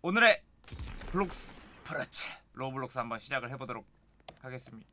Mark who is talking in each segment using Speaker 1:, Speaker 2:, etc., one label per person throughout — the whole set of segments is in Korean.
Speaker 1: 오늘의 블록스 프라치 로블록스 한번 시작을 해보도록 하겠습니다.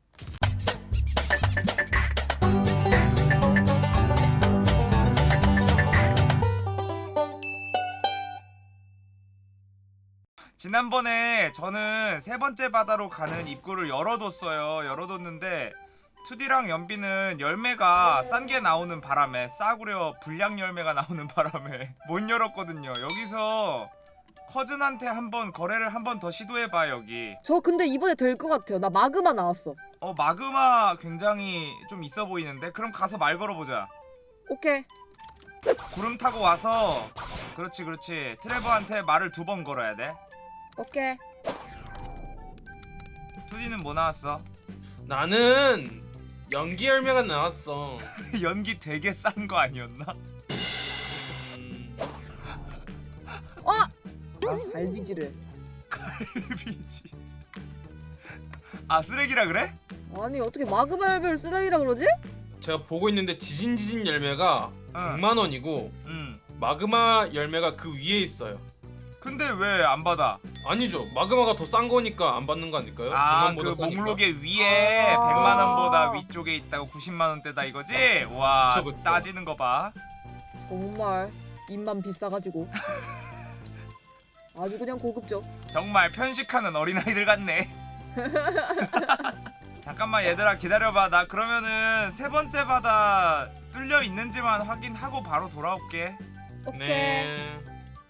Speaker 1: 지난번에 저는 세 번째 바다로 가는 입구를 열어뒀는데 2D랑 연비는 열매가 싼 게 나오는 바람에 싸구려 불량 열매가 나오는 바람에 못 열었거든요. 여기서 커즌한테 한번 거래를 한번 더 시도해봐. 여기
Speaker 2: 저 근데 이번에 될 것 같아요. 나 마그마 나왔어.
Speaker 1: 마그마 굉장히 좀 있어 보이는데? 그럼 가서 말 걸어보자.
Speaker 2: 오케이.
Speaker 1: 구름 타고 와서 그렇지 트레버한테 말을 2번 걸어야 돼.
Speaker 2: 오케이.
Speaker 1: 2D는 뭐 나왔어?
Speaker 3: 나는 연기 열매가 나왔어.
Speaker 1: 연기 되게 싼 거 아니었나?
Speaker 2: 갈비지를.
Speaker 1: 갈비지. 아, 쓰레기라 그래?
Speaker 2: 아니 어떻게 마그마 열매를 쓰레기라 그러지?
Speaker 3: 제가 보고 있는데 지진지진 열매가
Speaker 1: 응.
Speaker 3: 100만 원이고
Speaker 1: 응.
Speaker 3: 마그마 열매가 그 위에 있어요.
Speaker 1: 근데 왜 안 받아?
Speaker 3: 아니죠. 마그마가 더 싼 거니까 안 받는 거 아닐까요?
Speaker 1: 아,
Speaker 3: 100만
Speaker 1: 그
Speaker 3: 보다 싸니까.
Speaker 1: 목록의 위에 100만 원보다 위쪽에 있다고 90만 원대다 이거지? 와,
Speaker 3: 그쵸, 그쵸.
Speaker 1: 따지는 거 봐.
Speaker 2: 정말 입만 비싸가지고. 아주 그냥 고급져.
Speaker 1: 정말 편식하는 어린아이들 같네. 잠깐만 얘들아 기다려봐. 나 그러면은 세 번째 바다 뚫려 있는지만 확인하고 바로 돌아올게.
Speaker 2: 오케이.
Speaker 3: 네.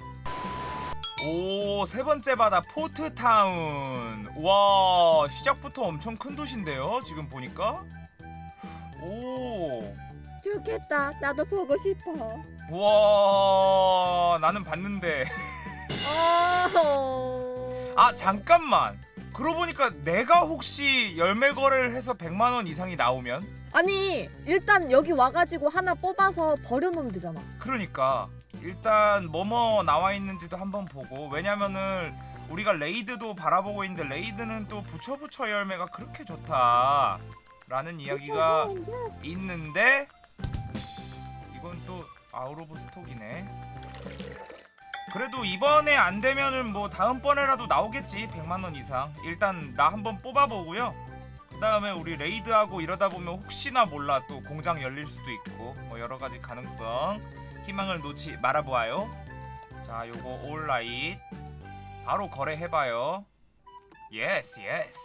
Speaker 1: 오, 세 번째 바다 포트타운. 와, 시작부터 엄청 큰 도시인데요 지금 보니까. 오,
Speaker 2: 좋겠다. 나도 보고 싶어.
Speaker 1: 와, 나는 봤는데. 아, 잠깐만. 그러고 보니까 내가 혹시 열매 거래를 해서 100만 원 이상이 나오면?
Speaker 2: 아니 일단 여기 와가지고 하나 뽑아서 버려놓으면 되잖아.
Speaker 1: 그러니까 일단 뭐뭐 나와 있는지도 한번 보고. 왜냐면은 우리가 레이드도 바라보고 있는데 레이드는 또 부처 열매가 그렇게 좋다 라는 이야기가 있는데 이건 또 아웃 오브 스톡이네. 그래도 이번에 안 되면은 뭐 다음번에라도 나오겠지. 100만 원 이상. 일단 나 한번 뽑아보고요. 그 다음에 우리 레이드하고 이러다 보면 혹시나 몰라 또 공장 열릴 수도 있고 뭐 여러가지 가능성 희망을 놓지 말아보아요. 자, 요거 올라잇 바로 거래해봐요. 예스.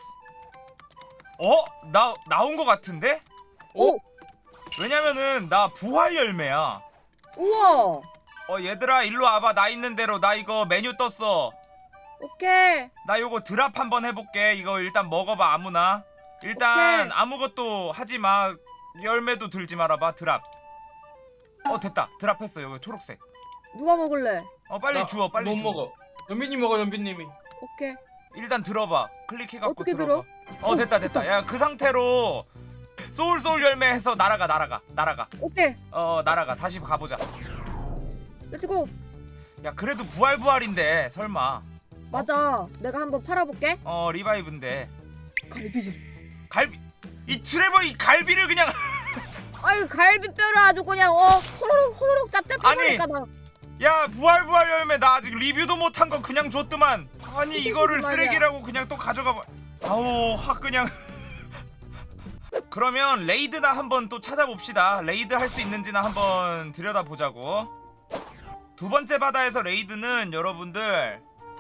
Speaker 1: 나온 거 같은데?
Speaker 2: 오!
Speaker 1: 왜냐면은 나 부활 열매야.
Speaker 2: 우와!
Speaker 1: 얘들아 일로 와봐. 나 있는 대로. 나 이거 메뉴 떴어.
Speaker 2: 오케이.
Speaker 1: 나 요거 드랍 한번 해볼게. 이거 일단 먹어봐. 아무나. 일단
Speaker 2: 오케이.
Speaker 1: 아무것도 하지마. 열매도 들지 말아봐. 드랍. 됐다. 드랍했어. 여기 초록색.
Speaker 2: 누가 먹을래?
Speaker 1: 빨리
Speaker 3: 나
Speaker 1: 주워. 빨리
Speaker 3: 못
Speaker 1: 주워.
Speaker 3: 먹어. 연빈님 먹어, 연빈님이.
Speaker 2: 오케이.
Speaker 1: 일단 들어봐. 클릭해갖고
Speaker 2: 어떻게
Speaker 1: 들어봐. 됐다. 야, 그 상태로 소울 열매 해서 날아가.
Speaker 2: 오케이.
Speaker 1: 날아가. 다시 가보자.
Speaker 2: 렛츠고.
Speaker 1: 야, 그래도 부활인데 설마.
Speaker 2: 맞아. 내가 한번 팔아볼게.
Speaker 1: 리바이브인데.
Speaker 2: 갈비질.
Speaker 1: 갈비. 이 트레버 이 갈비를 그냥.
Speaker 2: 아이 갈비뼈를 아주 그냥 호로록 짭짭해버리니까 막.
Speaker 1: 야, 부활 열매 나 아직 리뷰도 못한 거 그냥 줬더만. 아니 이거를
Speaker 2: 말이야.
Speaker 1: 쓰레기라고 그냥 또 가져가 봐. 아우, 확 그냥. 그러면 레이드나 한번 또 찾아봅시다. 레이드 할 수 있는지나 한번 들여다보자고. 두 번째 바다에서 레이드는 여러분들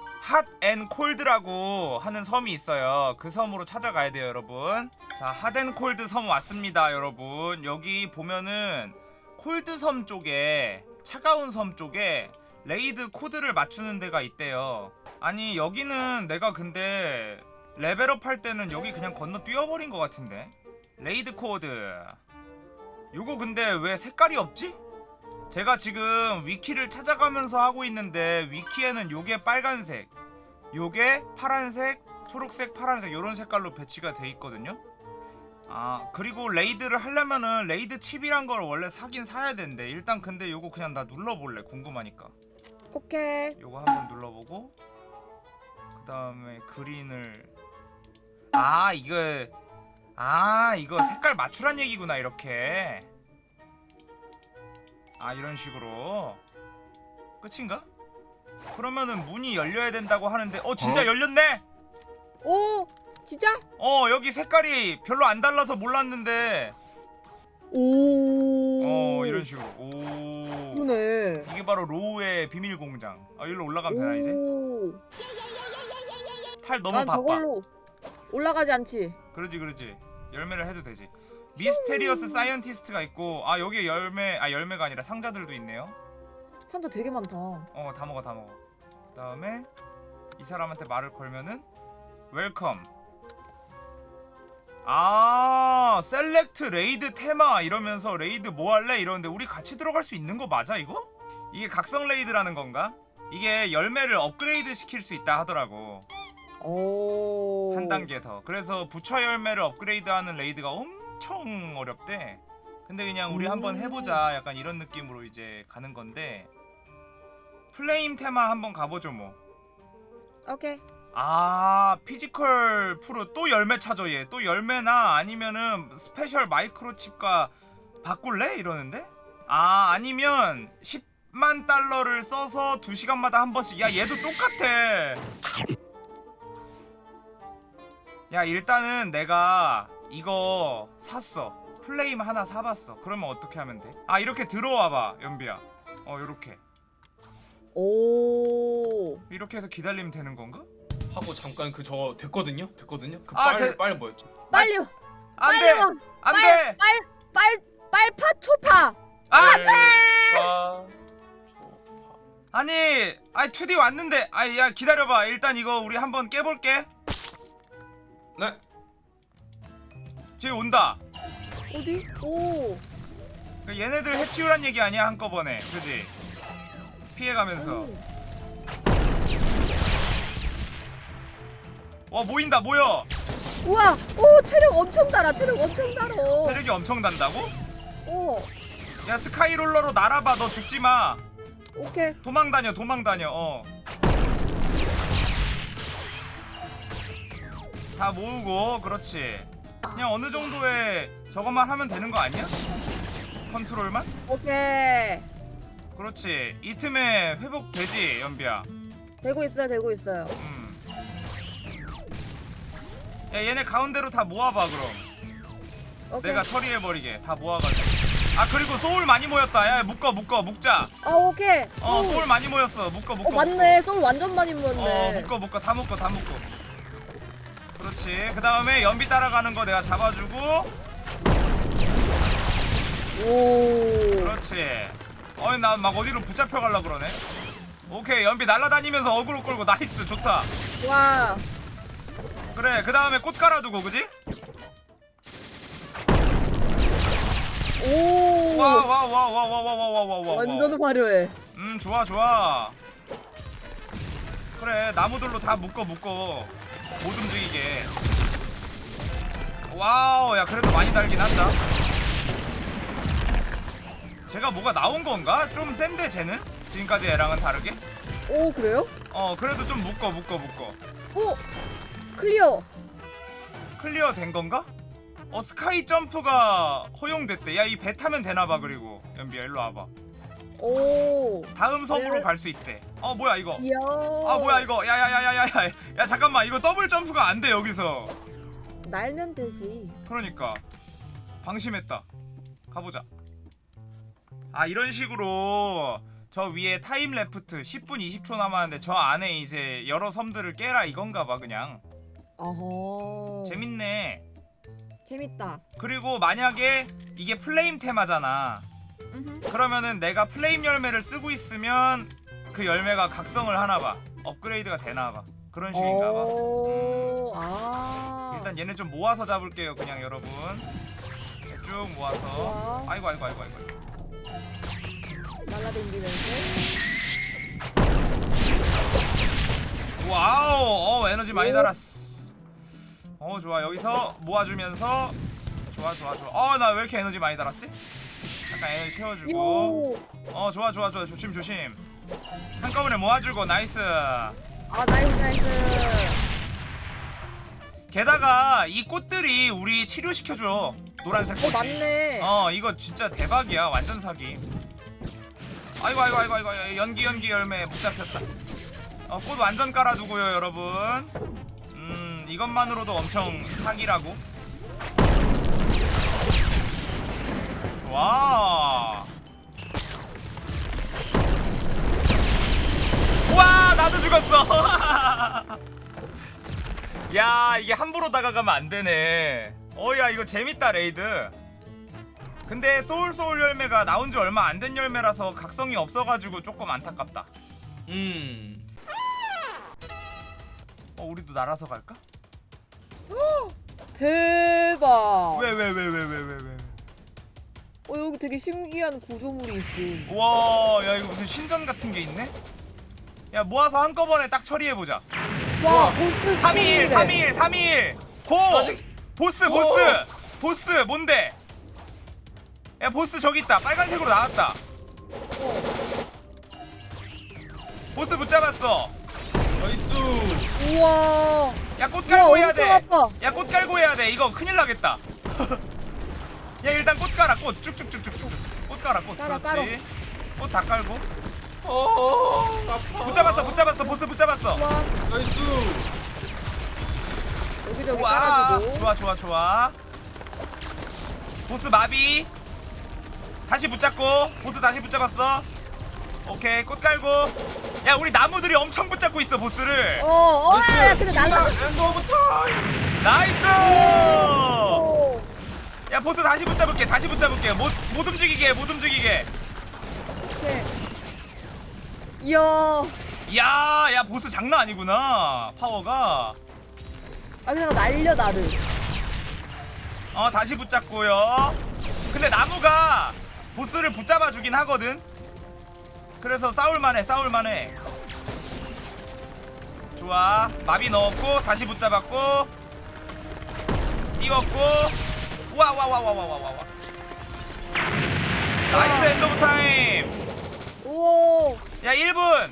Speaker 1: 핫앤콜드라고 하는 섬이 있어요. 그 섬으로 찾아가야 돼요, 여러분. 자, 핫앤콜드 섬 왔습니다, 여러분. 여기 보면은 콜드 섬 쪽에, 차가운 섬 쪽에 레이드 코드를 맞추는 데가 있대요. 아니 여기는 내가 근데 레벨업 할 때는 여기 그냥 건너 뛰어버린 것 같은데. 레이드 코드 요거 근데 왜 색깔이 없지? 제가 지금 위키를 찾아가면서 하고 있는데 위키에는 요게 빨간색, 요게 파란색, 초록색, 파란색 요런 색깔로 배치가 돼 있거든요. 아, 그리고 레이드를 하려면은 레이드 칩이란 걸 원래 사긴 사야 되는데 일단 근데 요거 그냥 나 눌러볼래. 궁금하니까.
Speaker 2: 오케이.
Speaker 1: 요거 한번 눌러보고 그 다음에 그린을 이거 색깔 맞추란 얘기구나. 이렇게 이런 식으로 끝인가? 그러면은 문이 열려야 된다고 하는데 진짜 열렸네?
Speaker 2: 오 진짜?
Speaker 1: 여기 색깔이 별로 안 달라서 몰랐는데
Speaker 2: 오.
Speaker 1: 이런 식으로. 오.
Speaker 2: 그러네.
Speaker 1: 이게 바로 로우의 비밀 공장. 여기로 올라가면 되나 이제?
Speaker 2: 오.
Speaker 1: 팔 너무
Speaker 2: 난
Speaker 1: 바빠.
Speaker 2: 저걸로 올라가지 않지.
Speaker 1: 그러지. 열매를 해도 되지. 미스테리어스 사이언티스트가 있고 여기 열매가 아니라 상자들도 있네요.
Speaker 2: 상자 되게 많다.
Speaker 1: 다 먹어. 그다음에 이 사람한테 말을 걸면은 웰컴. 셀렉트 레이드 테마 이러면서 레이드 뭐 할래? 이러는데 우리 같이 들어갈 수 있는 거 맞아 이거? 이게 각성 레이드라는 건가? 이게 열매를 업그레이드 시킬 수 있다 하더라고.
Speaker 2: 오.
Speaker 1: 한 단계 더. 그래서 부처 열매를 업그레이드하는 레이드가 엄청 어렵대. 근데 그냥 우리 한번 해보자 약간 이런 느낌으로 이제 가는 건데 플레임 테마 한번 가보죠 뭐.
Speaker 2: 오케이.
Speaker 1: 피지컬 프로 또 열매 찾아 얘. 또 열매나 아니면은 스페셜 마이크로칩과 바꿀래? 이러는데? 아니면 10만 달러를 써서 2시간마다 한 번씩. 야 얘도 똑같아. 야 일단은 내가 이거 샀어. 플레임 하나 사봤어. 그러면 어떻게 하면 돼? 이렇게 들어와봐 연비야. 요렇게
Speaker 2: 오.
Speaker 1: 이렇게 해서 기다리면 되는 건가?
Speaker 3: 하고 잠깐 그 저 됐거든요. 그
Speaker 1: 아,
Speaker 3: 빨 뭐였죠?
Speaker 2: 빨리 와.
Speaker 1: 안돼 안돼.
Speaker 2: 빨파 초파.
Speaker 1: 아니 2D 왔는데 야 기다려봐. 일단 이거 우리 한번 깨볼게.
Speaker 3: 네.
Speaker 1: 쟤 온다.
Speaker 2: 어디? 오.
Speaker 1: 그러니까 얘네들 해치우란 얘기 아니야 한꺼번에. 그지? 피해가면서. 모인다 모여.
Speaker 2: 우와. 오 체력 엄청 달아.
Speaker 1: 체력이 엄청 단다고?
Speaker 2: 오.
Speaker 1: 야 스카이롤러로 날아봐. 너 죽지마.
Speaker 2: 오케이.
Speaker 1: 도망다녀. 다 모으고. 그렇지. 그냥 어느 정도의 저것만 하면 되는 거 아니야? 컨트롤만?
Speaker 2: 오케이.
Speaker 1: 그렇지. 이 틈에 회복되지 연비야.
Speaker 2: 되고 있어요.
Speaker 1: 야 얘네 가운데로 다 모아봐 그럼.
Speaker 2: 오케이.
Speaker 1: 내가 처리해버리게. 다 모아가지고. 그리고 소울 많이 모였다. 야 묶자.
Speaker 2: 오케이.
Speaker 1: 소울 많이 모였어. 묶어.
Speaker 2: 맞네. 소울 완전 많이 모였네.
Speaker 1: 묶어. 다 묶어. 그렇지. 그 다음에 연비 따라가는 거 내가 잡아주고.
Speaker 2: 오.
Speaker 1: 그렇지. 나 막 어디로 붙잡혀 갈라 그러네. 오케이 연비 날아다니면서 어그로 끌고. 나이스 좋다.
Speaker 2: 와.
Speaker 1: 그래 그 다음에 꽃 깔아두고. 그지?
Speaker 2: 오.
Speaker 1: 와.
Speaker 2: 완전 화려해.
Speaker 1: 좋아. 그래 나무들로 다 묶어. 못 움직이게. 와우. 야 그래도 많이 달긴 한다. 쟤가 뭐가 나온 건가? 좀 센데 쟤는? 지금까지 애랑은 다르게?
Speaker 2: 오 그래요?
Speaker 1: 그래도 좀 묶어.
Speaker 2: 오 클리어
Speaker 1: 된 건가? 스카이 점프가 허용됐대. 야 이 배 타면 되나봐. 그리고 연비야 일로 와봐.
Speaker 2: 오.
Speaker 1: 다음 섬으로 갈 수 있대. 뭐야 이거?
Speaker 2: 이야.
Speaker 1: 뭐야 이거? 야 잠깐만 이거 더블 점프가 안 돼 여기서.
Speaker 2: 날면 되지.
Speaker 1: 그러니까 방심했다. 가보자. 이런 식으로 저 위에 타임 레프트 10분 20초 남았는데 저 안에 이제 여러 섬들을 깨라 이건가봐 그냥.
Speaker 2: 어허.
Speaker 1: 재밌네.
Speaker 2: 재밌다.
Speaker 1: 그리고 만약에 이게 플레임 테마잖아. 그러면은 내가 플레임 열매를 쓰고 있으면 그 열매가 각성을 하나봐. 업그레이드가 되나봐. 그런 식인가봐. 일단 얘네 좀 모아서 잡을게요 그냥 여러분. 쭉 모아서.
Speaker 2: 우와.
Speaker 1: 아이고.
Speaker 2: 날라다니면서.
Speaker 1: 와우. 에너지 많이 달았어. 좋아. 여기서 모아주면서. 좋아. 나 왜 이렇게 에너지 많이 달았지? 약간 에너지 채워주고. 좋아. 조심. 한꺼번에 모아주고. 나이스.
Speaker 2: 나이스.
Speaker 1: 게다가 이 꽃들이 우리 치료시켜줘. 노란색 꽃이.
Speaker 2: 맞네.
Speaker 1: 이거 진짜 대박이야. 완전 사기. 아이고 연기 열매 못 잡혔다. 꽃 완전 깔아주고요 여러분. 이것만으로도 엄청 사기라고. 좋아. 와 나도 죽었어. 야 이게 함부로 다가가면 안 되네. 어야 이거 재밌다 레이드. 근데 소울 열매가 나온 지 얼마 안 된 열매라서 각성이 없어가지고 조금 안타깝다. 우리도 날아서 갈까?
Speaker 2: 대박.
Speaker 1: 왜?
Speaker 2: 여기 되게 신기한 구조물이 있음.
Speaker 1: 와, 야 이거 무슨 신전 같은 게 있네? 야 모아서 한꺼번에 딱 처리해보자.
Speaker 2: 와, 보스
Speaker 1: 321 고!
Speaker 3: 아직-
Speaker 1: 보스 뭔데? 야 보스 저기 있다. 빨간색으로 나왔다. 보스 붙잡았어.
Speaker 3: 나이스.
Speaker 2: 우와.
Speaker 1: 야 꽃 깔고 해야 돼.
Speaker 2: 엄청 아파.
Speaker 1: 야 꽃 깔고 해야 돼. 이거 큰일 나겠다. 야 일단 꽃 깔아. 꽃 쭉쭉쭉쭉쭉. 꽃 깔아. 꽃.
Speaker 2: 깔아,
Speaker 1: 그렇지. 꽃 다 깔고.
Speaker 3: 아파.
Speaker 1: 붙잡았어. 보스 붙잡았어.
Speaker 2: 우와.
Speaker 3: 나이스.
Speaker 2: 여기저기
Speaker 1: 와
Speaker 2: 깔아주고.
Speaker 1: 좋아. 보스 마비. 다시 붙잡고. 보스 다시 붙잡았어. 오케이 꽃 깔고. 야 우리 나무들이 엄청 붙잡고 있어 보스를.
Speaker 2: 야, 근데 날라.
Speaker 3: 엔드 오브 타임.
Speaker 1: 나이스.
Speaker 2: 오.
Speaker 1: 야 보스 다시 붙잡을게. 못 움직이게.
Speaker 2: 오케이. 이야.
Speaker 1: 야 보스 장난 아니구나 파워가.
Speaker 2: 그냥 날려 나를.
Speaker 1: 다시 붙잡고요. 근데 나무가 보스를 붙잡아 주긴 하거든. 그래서 싸울만해. 좋아. 마비 넣었고 다시 붙잡았고 띄웠고. 와. 나이스 엔드 오브 타임.
Speaker 2: 오.
Speaker 1: 야 1분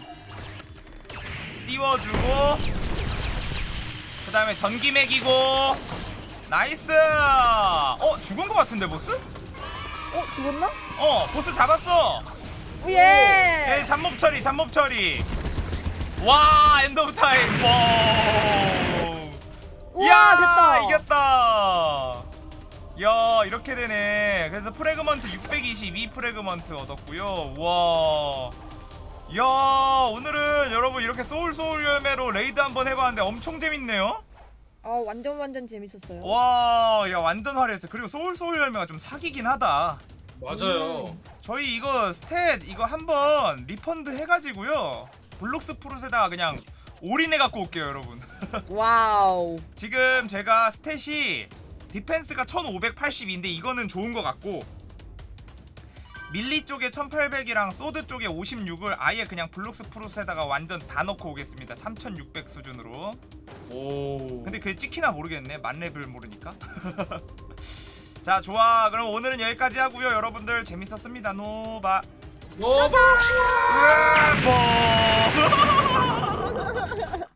Speaker 1: 띄워주고 그 다음에 전기 매기고. 나이스. 죽은 거 같은데 보스?
Speaker 2: 죽었나?
Speaker 1: 보스 잡았어.
Speaker 2: 예.
Speaker 1: 예, 잡몹 처리. 와 엔드 오브 타임. 와.
Speaker 2: 우와, 됐다.
Speaker 1: 이겼다. 야 이렇게 되네. 그래서 프래그먼트 622 프래그먼트 얻었고요. 와. 야 오늘은 여러분 이렇게 소울 열매로 레이드 한번 해봤는데 엄청 재밌네요.
Speaker 2: 완전 재밌었어요.
Speaker 1: 와, 야 완전 화려했어. 그리고 소울 열매가 좀 사기긴 하다.
Speaker 3: 맞아요.
Speaker 1: 저희 이거 스탯 이거 한번 리펀드 해가지고요. 블록스 프루트에다가 그냥 올인해 갖고 올게요, 여러분.
Speaker 2: 와우.
Speaker 1: 지금 제가 스탯이 디펜스가 1580인데 이거는 좋은 것 같고 밀리 쪽에 1800이랑 소드 쪽에 56을 아예 그냥 블록스 프루트에다가 완전 다 넣고 오겠습니다. 3600 수준으로.
Speaker 3: 오.
Speaker 1: 근데 그게 찍히나 모르겠네. 만렙을 모르니까. 자 좋아. 그럼 오늘은 여기까지 하고요. 여러분들 재밌었습니다. 노바.
Speaker 3: 노바.
Speaker 1: 래퍼.